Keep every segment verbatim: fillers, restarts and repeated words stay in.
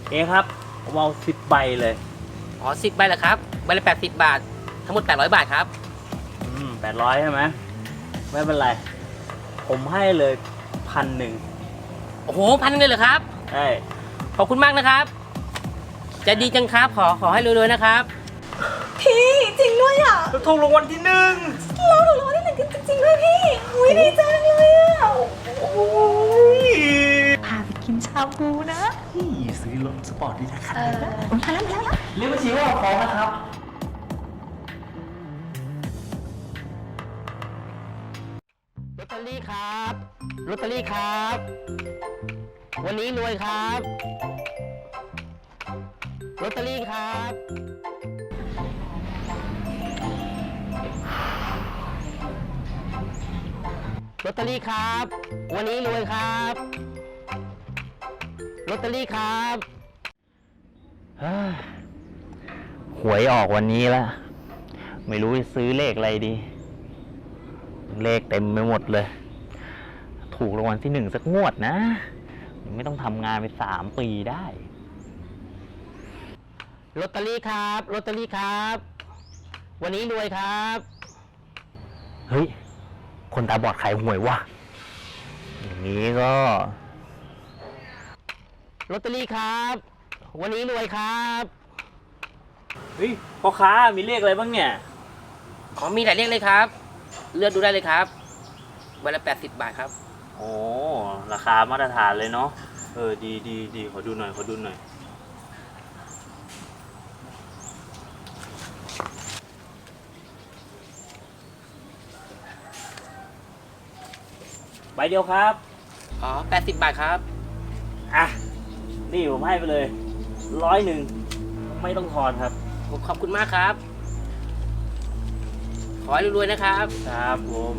เอ๊ครับผมเอาสิบใบเลยอ๋อสิบใบเหรอครับใบละแปดสิบบาททั้งหมดแปดร้อยบาทครับอืมแปดร้อยใช่ไหมไม่เป็นไรผมให้เลยพันหนึ่งโอ้โหพันเลยเหรอครับใช่ขอบคุณมากนะครับจะดีจังครับขอขอให้รวยๆนะครับพี่จริงด้วยอ่ะเราถูกรางวัลที่หนึ่งเราถูกรางวัลที่หนึ่งจริงๆด้วยพี่อุ้ยดีจังเลยอ่ะพาไปกินชาบูนะซื้อรถสปอร์ตดีนะครับเออมาแล้วมาแล้วเรียกบัญชีว่าพร้อมนะครับลอตเตอรี่ครับลอตเตอรี่ครับวันนี้รวยครับลอตเตอรี่ครับลอตเตอรี่ครับวันนี้รวยครับลอตเตอรี่ครับหวยออกวันนี้แล้วไม่รู้จะซื้อเลขอะไรดีเลขเต็มไปหมดเลยถูกรางวัลที่หนึ่งสักงวดนะไม่ต้องทำงานไปสามปีได้ลอตเตอรี่ครับลอตเตอรี่ครับวันนี้รวยครับเฮ้ยคนตาบอดขายหวยวะอย่างนี้ก็ลอตเตอรี่ครับวันนี้รวยครับเฮ้ยพ่อค้ามีเลขอะไรบ้างเนี่ยอ๋อมีหลายเลขเลยครับเลือกดูได้เลยครับใบละแปดสิบบาทครับโอ้ราคามาตรฐานเลยเนาะเออดีดีดีขอดูหน่อยขอดูหน่อยใบเดียวครับอ๋อแปดสิบบาทครับอ่ะนี่ผมให้ไปเลยร้อยหนึ่งไม่ต้องทอนครับผมขอบคุณมากครับขอให้รวยๆนะครับครับผม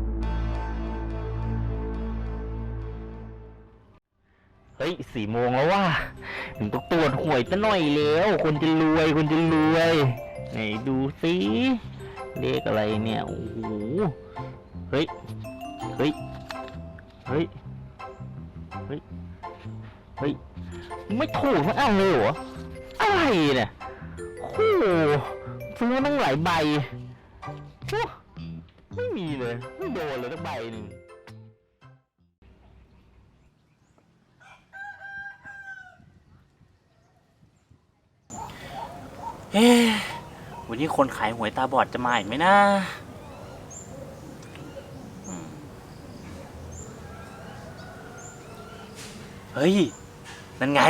เฮ้ยสี่โมงแล้วว่ะผมต้องตรวจหวยซะหน่อยแล้วคนจะรวยคนจะรวยไหนดูสิเลขอะไรเนี่ยโอ้โหเฮ้ยเฮ้ยเฮ้ยเฮ้ยเฮ้ยไม่ถูกทั้งอันเลยเหรออะไรเนี่ยโอ้โหซื้อมาตั้งหลายใบไม่มีเลยไม่โดนเลยทั้งใบหนึ่งเอ๊ะวันนี้คนขายหวยตาบอดจะมาอีกไหมนะเฮ้ยนั่นไง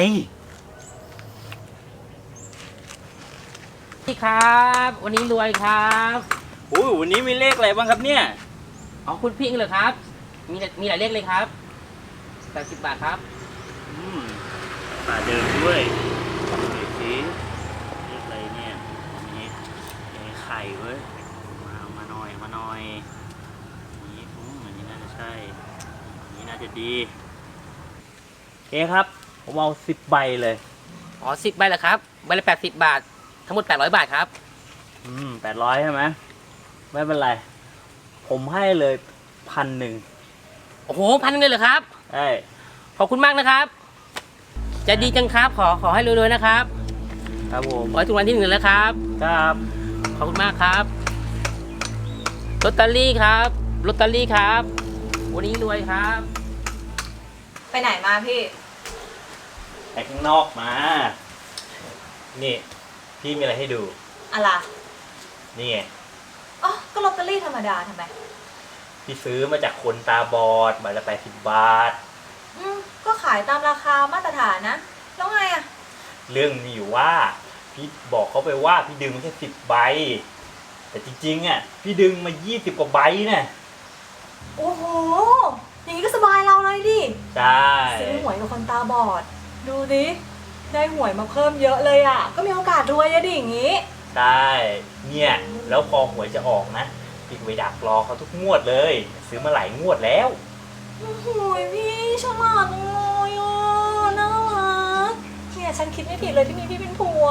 พี่ครับวันนี้รวยครับโอ้ยวันนี้มีเลขอะไรบ้างครับเนี่ยอ๋อคุณพี่เหรอครับมีมีหลายเลขเลยครับแปดสิบบาทครับอืมตาเดิมด้วยดูสิเลขอะไรเนี่ยนี่ไข่เว้ยมามาหน่อยมาหน่อยนี่อืมอันนี้น่าจะใช่อันนี้น่าจะดีเอ๊ครับผมเอาสิบใบเลยอ๋อสิบใบเหรอครับใบละแปดสิบบาททั้งหมดแปดร้อยบาทครับอืมแปดร้อยใช่ไหมไม่เป็นไรผมให้เลยพันหนึ่งโอ้โหพันเลยเหรอครับใช่ขอบคุณมากนะครับจะดีจังครับขอขอให้รวยๆนะครับครับผมขอให้ถูกรางวัลที่หนึ่งแล้วครับครับขอบคุณมากครับลอตเตอรี่ครับลอตเตอรี่ครับวันนี้รวยครับไปไหนมาพี่ไปข้างนอกมานี่พี่มีอะไรให้ดูอะไรนี่ไงอ๋อก็ลอตเตอรี่ธรรมดาทำไมพี่ซื้อมาจากคนตาบอดใบละแปดสิบบาทอืมก็ขายตามราคามาตรฐานนะแล้วไงอะเรื่องมีอยู่ว่าพี่บอกเขาไปว่าพี่ดึงมาแค่สิบใบแต่จริงๆอ่ะพี่ดึงมายี่สิบกว่าใบน่ะโอ้โหอย่างนี้ก็สบายเราเลยดิใช่ซื้อหวยกับคนตาบอดดูดิได้หวยมาเพิ่มเยอะเลยอ่ะก็มีโอกาสรวยอะดิอย่างนี้ใช่เนี่ยแล้วพอหวยจะออกนะพี่ไปดักรอเขาทุกงวดเลยซื้อมาหลายงวดแล้วโอ้โหพี่ฉลาดเลยอ่ะน่ารักเนี่ยฉันคิดไม่ผิดเลยที่มีพี่เป็นผัว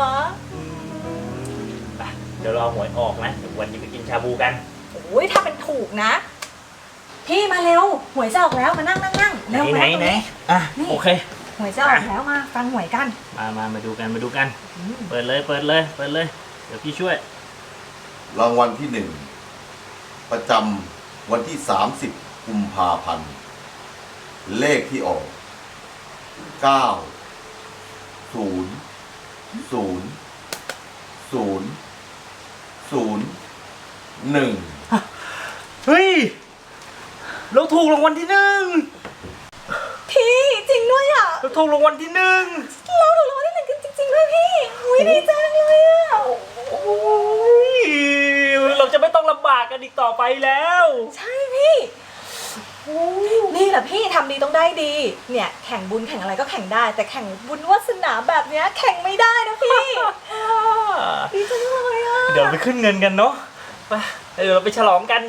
เดี๋ยวรอหวยออกนะเดี๋ยววันนี้ไปกินชาบูกันโอ้ยถ้าเป็นถูกนะพี่มาเร็วหวยจะออกแล้วมานั่งนั่งนั่งไหนไหนไหนอ่ะโอเคหวยจะออกแล้วมาฟังหวยกันมามามาดูกันมาดูกันอืมเปิดเลยเปิดเลยเปิดเลย เดี๋ยวพี่ช่วยรางวัลที่หนึ่งประจำวันที่สามสิบกุมภาพันธ์เลขที่ออกเก้าศูนย์ศูนย์ศูนย์ศูนย์หนึ่งเฮ้ย เราถูกรางวัลที่หนึ่งพี่จริงด้วยอ่ะเราถูกรางวัลที่หนึ่งเราถูกรางวัลที่หนึ่งกันจริงๆด้วยพี่อุ้ยดีจังเลยอ่ะโอ้ยเราจะไม่ต้องลำบากกันอีกต่อไปแล้วใช่พี่นี่แหละพี่ทำดีต้องได้ดี เนี่ยแข่งบุญแข่งอะไรก็แข่งได้ แต่แข่งบุญวาสนาแบบเนี้ยแข่งไม่ได้นะพี่ดีจังเลยอ่ะเดี๋ยวไปขึ้นเงินกันเนาะไปเดี๋ยวเราไปฉลองกัน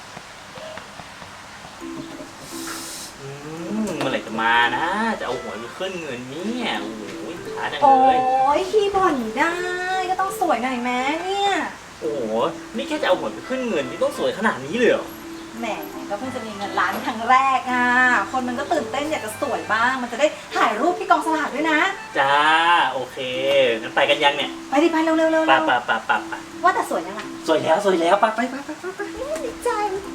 อืมเมื่อไหร่จะมานะ จะเอาหวยไปขึ้นเงินเนี่ยโอ้โหช้าจังโอ้เลยยพี่บ่นได้ก็ต้องสวยหน่อยแม้เนี่ยโอ้โหนี่แค่จะเอาหวยไปขึ้นเงินนี่ต้องสวยขนาดนี้เลยเหรอแหมก็เพิ่งจะมีเงินล้านครั้งแรกอ่ะคนมันก็ตื่นเต้นอยากจะสวยบ้าง มันจะได้ถ่ายรูปที่กองสลากด้วยนะจ้าโอเคงั้นไปกันยังเนี่ยไปดิไปเร็วเร็วเร็วไปไปไปไปไปว่าแต่สวยยังไงสวยแล้วสวยแล้วไปไปไปไปไปไปดีใจ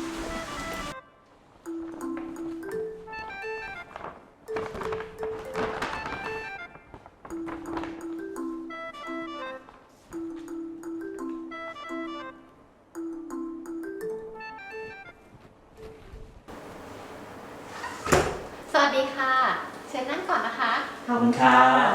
สวัสดีค่ะ เชิญนั่งก่อนนะคะขอบคุณค่ะ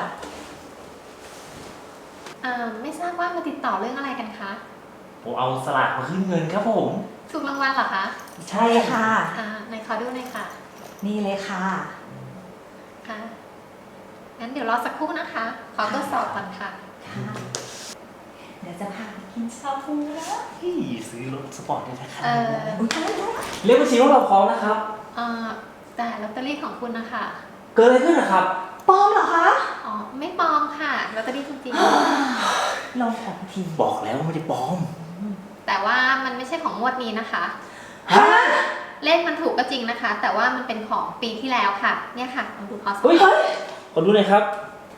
เอ่อไม่ทราบว่ามาติดต่อเรื่องอะไรกันคะผมเอาสลากมาขึ้นเงินครับผมถูกรางวัลเหรอคะใช่ค่ะอ่าไหนขอดูหน่อยค่ะนี่เลยค่ะค่ะ งั้นเดี๋ยวรอสักครู่นะคะ ขอตรวจสอบก่อนค่ะค่ะ เดี๋ยวจะพาไปกินชาบูนะพี่ซื้อรถสปอร์ตได้ราคาเอ่ออุ้ยตายแล้วเรียกบัญชีว่าเราพร้อมนะครับเอ่อแต่ลอตเตอรี่ของคุณนะคะเกิดอะไรขึ้นนะครับปลอมเหรอคะอ๋อ ไม่ปลอมค่ะ ลอตเตอรี่จริงลองของทีบอกแล้วว่าไม่ได้ปลอมๆ แต่ว่ามันไม่ใช่ของงวดนี้นะคะฮะเลขมันถูกก็จริงนะคะ แต่ว่ามันเป็นของปีที่แล้วค่ะ เนี่ยค่ะลองดูพอสเฮ้ยขอดูหน่อยครับ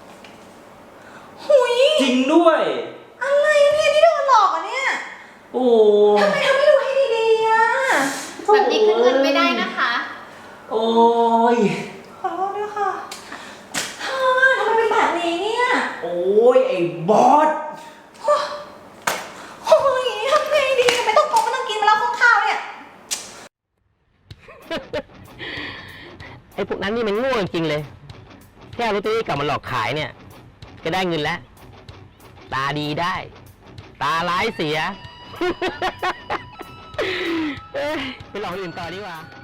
หุยจริงด้วยอะไรเนี่ยที่โดนหลอกอ่ะเนี่ยโอ้ทำไมทำไม่ดูให้ดีๆอ่ะแบบนี้ขึ้นเงินไม่ได้นะคะโอ้ยขอโทษด้วยค่ะฮ่าทำไมเป็นแบบนี้เนี่ยโอ้ยไอ้บอสโอ้ยทำไงดีไม่ต้องโกงไม่ต้องกินมาแล้วข้างข้าวเนี่ยไอ้พวกนั้นนี่มันโง่จริงๆเลย แค่เอาลอตเตอรี่กลับมาหลอกขายเนี่ย ก็ได้เงินแล้ว ตาดีได้ ตาร้ายเสีย เอ้ยไปหลอกคนอื่นต่อดีกว่า